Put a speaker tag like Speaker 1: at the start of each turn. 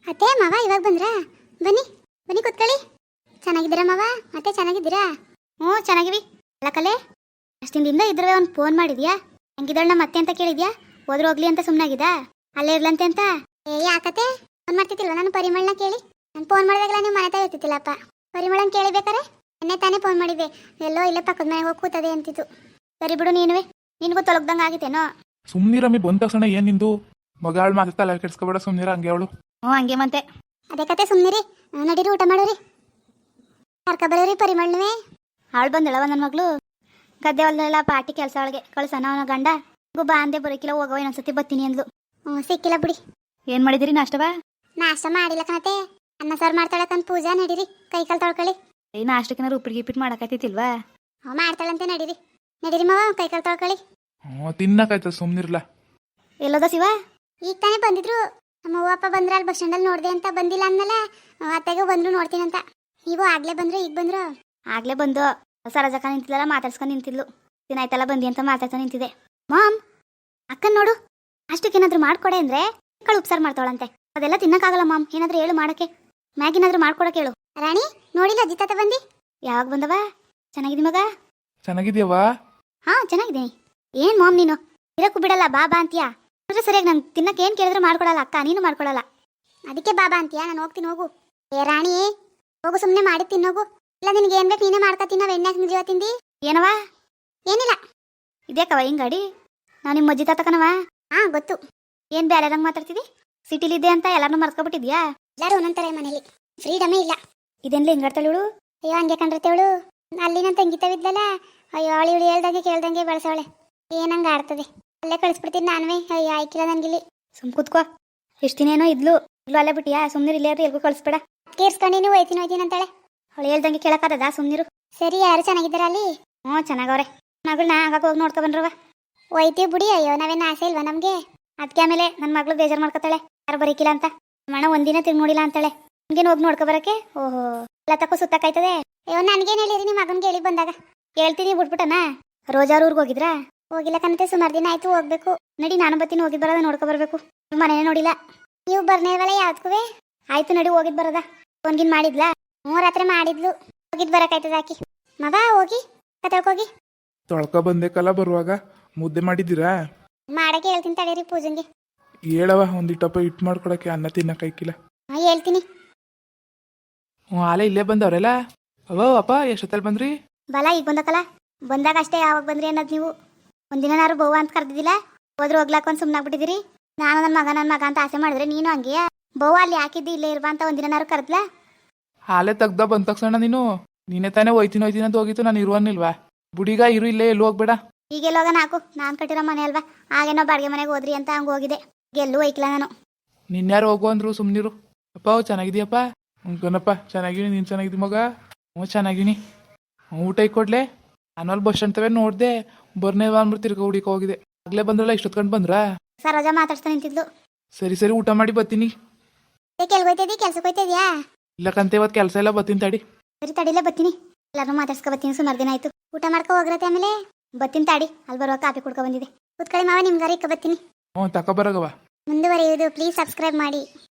Speaker 1: ಅತ್ತೆ ಮಾವ ಇವಾಗ ಬಂದ್ರಾ? ಬನ್ನಿ ಬನ್ನಿ ಕೂತ್ಕೊಳ್ಳಿ. ಚೆನ್ನಾಗಿದ್ದೀರಾ ಮಾವ? ಅತ್ತೆ ಚೆನ್ನಾಗಿದ್ದೀರಾ? ಹ್ಞೂ ಚೆನ್ನಾಗಿವಿ. ಅಲ್ಲ ಕಲೆ, ಅಷ್ಟಿಂದಿಂದ ಇದ್ರೆ ಒಂದು ಫೋನ್ ಮಾಡಿದ್ಯಾ? ಹೆಂಗಿದ್ದಾಳ ನಮ್ಮ ಅತ್ತೆ ಅಂತ ಕೇಳಿದ್ಯಾ? ಹೋದ್ರು ಹೋಗ್ಲಿ ಅಂತ ಸುಮ್ಮನಾಗಿದ್ದ? ಅಲ್ಲೇ ಇರ್ಲಂತೆ ಅಂತ? ಏ ಯಾಕತ್ತೆ ಫೋನ್ ಮಾಡ್ತಿದ್ದಿಲ್ವ? ನಾನು ಪರಿಮಳನ ಕೇಳಿ. ನಾನು ಫೋನ್ ಮಾಡಿದಾಗಲ್ಲ ನೀವು ಮನೆ ತಾಯಿ ಇರ್ತಿತ್ತಿಲ್ಲಪ್ಪ. ಪರಿಮಳನ ಕೇಳಿಬೇಕಾರೆ ಎನ್ನೆ ತಾನೇ ಫೋನ್ ಮಾಡಿದ್ದೆ. ಎಲ್ಲೋ ಇಲ್ಲೇ ಪಕ್ಕದ ಮನೆಗೆ ಹೋಗಿ ಕೂತದೆ ಅಂತಿತ್ತು. ಸರಿ ಬಿಡು, ನೀನುವೆ ನಿನಗೂ ತೊಲಗ್ದಂಗೆ ಆಗಿತ್ತೇನೋ.
Speaker 2: ಸುಮ್ನಿರಮ್ಮಿ ಬಂದ ತಕ್ಷಣ ಏನ್ ನಿಂದು ಮಗಾಳ್ ಮಾತಾಡ್ತಾ ಕೆಡ್ಸ್ಕೊಬೇಡ, ಸುಮ್ನಿರ ಹಂಗೆ ಅವಳು.
Speaker 3: ಹ್ಞೂ ಹಂಗೆ ಮತ್ತೆ.
Speaker 1: ಅದೇ ಕತೆ, ಸುಮ್ಮನಿರಿ. ನಡೀರಿ ಊಟ ಮಾಡೋರಿ. ಕರ್ಕೊಬರೋರಿ ಪರಿಮಳನವೇ.
Speaker 3: ಹಾಳು ಬಂದಳವ ನನ್ನ ಮಗಳು. ಗದ್ದೆ ಹೊಲದಲ್ಲ ಪಾಟಿ ಕೆಲಸ ಒಳಗೆ ಕಳ್ಸನ ಅವನ ಗಂಡ. ಬಾ ಅಂದೆ ಬರೋಕಿಲ್ಲ, ಹೋಗವ ಇನ್ನೊಂದ್ಸತಿ ಬರ್ತೀನಿ ಅಂದ್ಲು.
Speaker 1: ಹ್ಞೂ ಸಿಕ್ಕಿಲ್ಲ ಬಿಡಿ.
Speaker 3: ಏನು ಮಾಡಿದಿರಿ ನಾಷ್ಟವಾ?
Speaker 1: ನಾಷ್ಟ ಮಾಡಿಲ್ಲ ಕಣತೆ. ಅನ್ನ ಸಾರು ಮಾಡ್ತಾಳಕ್ಕಂತ ಪೂಜಾ. ನಡೀರಿ ಕೈ ಕಾಲು ತೊಳ್ಕೊಳ್ಳಿ.
Speaker 3: ಈ ನಾಷ್ಟಕ್ಕೆ ಉಪ್ಪಿಟ್ಟು ಗಿಪ್ಪಿಟ್ಟು ಮಾಡಕತ್ತಿಲ್ವಾ?
Speaker 1: ಹ್ಞೂ ಮಾಡ್ತಾಳಂತೆ. ನಡೀರಿ ನಡೀರಿ ಮಾವ, ಕೈ ಕಾಲು ತೊಳ್ಕೊಳ್ಳಿ.
Speaker 2: ತಿನ್ನಕಾಯ್ತದ, ಸುಮ್ನಿರ್ಲ.
Speaker 3: ಎಲ್ಲೋದ ಶಿವ? ಈಗ
Speaker 1: ತಾನೇ ಬಂದಿದ್ರು. ನಮ್ಮ ಅವ್ವ ಅಪ್ಪ ಬಂದ್ರ ಅಲ್ಲಿ ಬಸ್ ಸ್ಟ್ಯಾಂಡಲ್ಲಿ ನೋಡಿದೆ ಅಂತ. ಬಂದಿಲ್ಲ ಅಂದಲ್ಲ, ಅತ್ತೆಗೆ ಬಂದ್ರು ನೋಡ್ತೀನಂತ. ನೀವು ಆಗ್ಲೇ ಬಂದ್ರು, ಈಗ ಬಂದ್ರು?
Speaker 3: ಆಗ್ಲೇ ಬಂದು ಸರಜಕ್ಕ ನಿಂತಿದ್ದಲ್ಲ, ಮಾತಾಡ್ಸ್ಕೊಂಡು ನಿಂತಿದ್ಲು. ದಿನ ಆಯ್ತಲ್ಲ ಬಂದಿ ಅಂತ ಮಾತಾಡ್ತಾ ನಿಂತಿದೆ. ಮಾಮ್, ಅಕ್ಕನ್ ನೋಡು, ಅಷ್ಟಕ್ಕೇನಾದ್ರೂ ಮಾಡ್ಕೊಡೆ ಅಂದ್ರೆ ಕಳು ಉಪ್ಸಾರು ಮಾಡ್ತಾಳಂತೆ. ಅದೆಲ್ಲ ತಿನ್ನಕ್ಕಾಗಲ್ಲ ಮಾಮ್, ಏನಾದ್ರೂ ಹೇಳು ಮಾಡಕ್ಕೆ. ಮ್ಯಾಗಿನಾದ್ರೂ ಮಾಡ್ಕೊಡಕ್ಕೆ ಹೇಳು.
Speaker 1: ರಾಣಿ ನೋಡಿಲ್ಲ ಅಜ್ಜಿ ತಾತ ಬಂದಿ?
Speaker 3: ಯಾವಾಗ ಬಂದವ? ಚೆನ್ನಾಗಿದಿ ಮಗ?
Speaker 2: ಚೆನ್ನಾಗಿದ್ಯವ?
Speaker 3: ಹಾ ಚೆನ್ನಾಗಿದ್ದೀನಿ. ಏನ್ ಮಾಮ್ ನೀನು ಇರಕ್ಕೂ ಬಿಡಲ್ಲ, ಬಾಬಾ ಅಂತೀಯಾ? ಅಂದ್ರೆ ಸರಿಯಾಗಿ ನಂಗೆ ತಿನ್ನಕ್ಕೆ ಏನ್ ಕೇಳಿದ್ರು ಮಾಡ್ಕೊಡಲ್ಲ ಅಕ್ಕ, ನೀನು ಮಾಡ್ಕೊಡಲ್ಲ.
Speaker 1: ಅದಕ್ಕೆ ಬಾಬಾ ಅಂತೀಯಾ? ನಾನು ಹೋಗ್ತೀನಿ, ಹೋಗು. ಏ ರಾಣಿ ಹೋಗು, ಸುಮ್ಮನೆ ಮಾಡಿ ತಿನ್ನೋಗು. ಇಲ್ಲ ನಿನ್ಗೆ ಏನ್ ಬೇಕು ನೀನೇ ಮಾಡ್ಕೊ ತಿನ್ನೋ. ಎಣ್ಣೆ ಜೀವ ತಿಂದಿ?
Speaker 3: ಏನವ?
Speaker 1: ಏನಿಲ್ಲ.
Speaker 3: ಇದೇಕವ ಹಿಂಗಾಡಿ? ನಾವು ನಿಮ್ಮ ಅಜ್ಜಿ ತಾತಕನವ?
Speaker 1: ಹಾ ಗೊತ್ತು.
Speaker 3: ಏನ್ ಬೇರೆದಂಗೆ ಮಾತಾಡ್ತಿದಿ? ಸಿಟಿಲಿದ್ದೆ ಅಂತ ಎಲ್ಲಾರನ್ನೂ ಮರ್ಕೊಬಿಟ್ಟಿದ್ಯಾ?
Speaker 1: ಎಲ್ಲರೂ ಒಂದೊಂಥರ ಮನೇಲಿ ಫ್ರೀಡಮೇ ಇಲ್ಲ.
Speaker 3: ಇದೆನ್ಲ ಹಿಂಗಾಡ್ತಾಳು?
Speaker 1: ಅಯ್ಯೋ ಹಂಗೆ ಕಂಡಿರ್ತೇವಳು. ಅಲ್ಲಿ ನನ್ನ ತಂಗಿತವಿದ್ದಲ್ಲ, ಅಯ್ಯೋ ಅವಳು ಇವಳು ಹೇಳ್ದಂಗೆ ಕೇಳ್ದಂಗೆ ಬೆಳೆಸವಳೆ. ಏನಂಗೆ ಆಡ್ತದೆ. ಅಲ್ಲೇ ಕಳಿಸ್ಬಿಡ್ತೀನಿ ನಾನುವೇ. ಅಯ್ಯೋ ಆಯ್ಕಿಲ್ಲ ನನ್ಗಿಲ್ಲಿ.
Speaker 3: ಸುಮ್ ಕೂತ್ಕೋ. ಎಷ್ಟು ದಿನೇನೋ ಇದ್ಲು ಅಲ್ಲೇ ಬಿಟ್ಟಿಯಾ? ಸುಮ್ನಿರು, ಇಲ್ಲೇ ಎಲ್ಗೂ ಕಳಿಸ್ಬೇಡ.
Speaker 1: ಕೇರ್ಸ್ಕೊಂಡು ಹೋಯ್ತೀನಿ ಅಂತಾಳೆ.
Speaker 3: ಅವಳು ಹೇಳ್ದಂಗೆ ಕೇಳಕ್ಕಾಗದ? ಸುಮ್ನಿರು.
Speaker 1: ಸರಿ, ಯಾರು ಚೆನ್ನಾಗಿದ್ದಾರ ಅಲ್ಲಿ?
Speaker 3: ಹ್ಞೂ ಚೆನ್ನಾಗವ್ರೆ. ಮಗಳನ್ನ ಆಗಾಗ ಹೋಗಿ ನೋಡ್ಕೊ ಬಂದ್ರವ.
Speaker 1: ಹೋಯ್ತೀವಿ ಬಿಡಿ. ಅಯ್ಯೋ ನಾವೇನು ಆಸೆ ಇಲ್ವಾ ನಮಗೆ?
Speaker 3: ಅದಕ್ಕೆ ಆಮೇಲೆ ನನ್ನ ಮಗಳು ಬೇಜಾರು ಮಾಡ್ಕೊತಾಳೆ, ಯಾರು ಬರೀಕಿಲ್ಲ ಅಂತ. ಮಣ ಒಂದಿನ ತಿರುಗಿ ನೋಡಿಲ್ಲ ಅಂತಾಳೆ. ನಿಮ್ಗೇನು ಹೋಗಿ ನೋಡ್ಕೊ ಬರಕ್ಕೆ? ಓಹೋ, ಎಲ್ಲ ತಕ್ಕೋ ಸುತ್ತಕ್ಕಾಯ್ತದೆ.
Speaker 1: ಅಯ್ಯೋ ನನ್ಗೇನು ಹೇಳಿರಿ ನಿಮ್ಮ ಮಗನ್ಗೆ ಹೇಳಿ ಬಂದಾಗ?
Speaker 3: ಹೇಳ್ತೀನಿ ಬಿಟ್ಬಿಟ್ಟನ. ರೋಜಾರ್ ಊರಿಗೆ ಹೋಗಿದ್ರಾ?
Speaker 1: ಹೋಗಿಲ್ಲ ಕಣತೆ, ಸುಮಾರು ದಿನ ಆಯ್ತು. ಹೋಗ್ಬೇಕು.
Speaker 3: ನಡಿ, ನಾನು ಬತ್ತೀನಿ. ಹೋಗಿದ್ ಬರೋದ ನೋಡ್ಕೊ ಬರ್ಬೇಕು. ಮನೇನೇ ನೋಡಿಲ್ಲ.
Speaker 1: ನೀವು ಬರ್ನೇವಲ್ಲ ಯಾವ್ದಕ್ಕೂ?
Speaker 3: ಆಯ್ತು ನಡಿ, ಹೋಗಿದ್ ಬರೋದ. ಫೋನ್ಗಿನ್ ಮಾಡಿದ್ಲಾ?
Speaker 1: ಹ್ಞೂ ರಾತ್ರಿ ಮಾಡಿದ್ಲು. ಹೋಗಿದ್ ಬರಕಾಯ್ತದ ಹಾಕಿ. ಮಗ ಹೋಗಿ ಕತಳ್ಕೋಗಿ.
Speaker 2: ತೊಳ್ಕ ಬಂದೇಕಲ್ಲ ಬರುವಾಗ. ಮುದ್ದೆ ಮಾಡಿದ್ದೀರಾ?
Speaker 1: ಮಾಡಕ್ಕೆ ಹೇಳ್ತೀನಿ ತಡೀರಿ ಪೂಜನ್ಗೆ.
Speaker 2: ಹೇಳವ, ಒಂದಿಟ್ಟಪ್ಪ ಇಟ್ಟು ಮಾಡ್ಕೊಡಕ್ಕೆ, ಅನ್ನ ತಿನ್ನಕ್ಕಾಯ್ಕಿಲ್ಲ.
Speaker 1: ಹಾಂ ಹೇಳ್ತೀನಿ.
Speaker 2: ಹ್ಞೂ ಆಲೆ ಇಲ್ಲೇ ಬಂದವ್ರೆಲ್ಲ. ಅವೋ ಅಪ್ಪ, ಎಷ್ಟೊತ್ತಲ್ಲಿ ಬಂದ್ರಿ?
Speaker 3: ಬಲ ಈಗ ಬಂದಕಲ್ಲ. ಬಂದಾಗ ಅಷ್ಟೇ, ಯಾವಾಗ ಬಂದ್ರಿ ಅನ್ನೋದು ನೀವು. ಒಂದಿನಾರು ಬೋವ ಅಂತ ಕರೆದಿದ್ದಿಲ್ಲ, ಹೋದ್ರು ಹೋಗ್ಲಾಕ ಒಂದು ಸುಮ್ಮನಾಗ್ಬಿಟ್ಟಿದ್ದೀರಿ. ನಾನು ನನ್ನ ಮಗ ಅಂತ ಆಸೆ ಮಾಡಿದ್ರೆ ನೀನು ಹಂಗೆಯ ಬೋವ ಅಲ್ಲಿ ಹಾಕಿದ್ದಿ ಇಲ್ಲೇ ಇರ್ಬಾ ಅಂತ ಒಂದಿನಾರು ಕರೆದ್ಲಾ?
Speaker 2: ಹಾಲೆ ತೆಗ್ದ ಬಂದ ತಕ್ಷಣ ನೀನೇ ತಾನೇ ಹೋಯ್ತೀನಿ ಅಂತ ಹೋಗಿತ್ತು. ನಾನು ಇರುವನ್ನಿಲ್ವಾ? ಬುಡಿಗ ಇರು, ಇಲ್ಲೇ ಎಲ್ಲೂ ಹೋಗ್ಬೇಡ.
Speaker 3: ಈಗೆಲ್ಲೋಗ ನಾಕು, ನಾನು ಕಟ್ಟಿರೋ ಮನೆ ಅಲ್ವಾ? ಹಾಗೇನೋ ಬಾಡಿಗೆ ಮನೆಗೆ ಹೋದ್ರಿ ಅಂತ ಹಂಗೆ ಹೋಗಿದೆ. ಎಲ್ಲೂ ಹೋಯ್ಕಿಲ್ಲ ನಾನು.
Speaker 2: ನಿನ್ಯಾರು ಹೋಗು ಅಂದ್ರು, ಸುಮ್ನಿರು. ಅಪ್ಪ ಚೆನ್ನಾಗಿದೀಯಪ್ಪ? ಕಣಪ್ಪ ಚೆನ್ನಾಗಿನಿ. ನೀನು ಚೆನ್ನಾಗಿದ್ದಿ ಮಗ? ಹ್ಞೂ ಚೆನ್ನಾಗಿನಿ. ಊಟ ಕೊಡ್ಲೆ? ನಾನು ಅಲ್ಲಿ ಬಸ್ ಸ್ಟ್ಯಾಂಡ್ ತವೇ ನೋಡಿದೆ. ಬರ್ನೇವ ಅಂದ್ಬಿಟ್ಟು ತಿರ್ಗ ಹುಡುಕ ಹೋಗಿದೆ. ಆಗ್ಲೇ ಬಂದ್ರಲ್ಲ, ಇಷ್ಟೊತ್ಕೊಂಡು ಬಂದ್ರಾ?
Speaker 3: ಸರೋಜ ಮಾತಾಡ್ತಾ ನಿಂತಿದ್ಲು.
Speaker 2: ಸರಿ ಊಟ ಮಾಡಿ ಬರ್ತೀನಿ.
Speaker 1: ಕೆಲ್ಗೋಯ್ತದಿ? ಕೆಲ್ಸಕ್ಕೆ ಹೋಯ್ತದ್ಯಾ?
Speaker 2: ಇಲ್ಲಕ್ಕಂತ ಇವತ್ತು ಕೆಲಸ ಎಲ್ಲ ಬರ್ತೀನಿ ತಡಿ.
Speaker 3: ಸರಿ ತಡಿಲೇ ಬರ್ತೀನಿ. ಎಲ್ಲರೂ ಮಾತಾಡ್ಸ್ಕೊ ಬರ್ತೀನಿ. ಸುಮಾರು ದಿನ ಆಯ್ತು.
Speaker 1: ಊಟ ಮಾಡ್ಕೊ ಹೋಗ್ರತೆ. ಆಮೇಲೆ
Speaker 3: ಬರ್ತೀನಿ ತಾಡಿ. ಅಲ್ಲಿ ಬರುವ ಕಾಫಿ ಕುಡ್ಕೊ ಬಂದಿದೆ.
Speaker 1: ಕೂತ್ಕೊಳ್ಳಿ ಮಾವ, ನಿಮ್ಗಾರ ಇಕ್ಕ ಬರ್ತೀನಿ.
Speaker 2: ಹ್ಞೂ ತಗೊಬರಗವ.
Speaker 1: ಮುಂದುವರಿಯುವುದು ಪ್ಲೀಸ್ ಸಬ್ಸ್ಕ್ರೈಬ್ ಮಾಡಿ.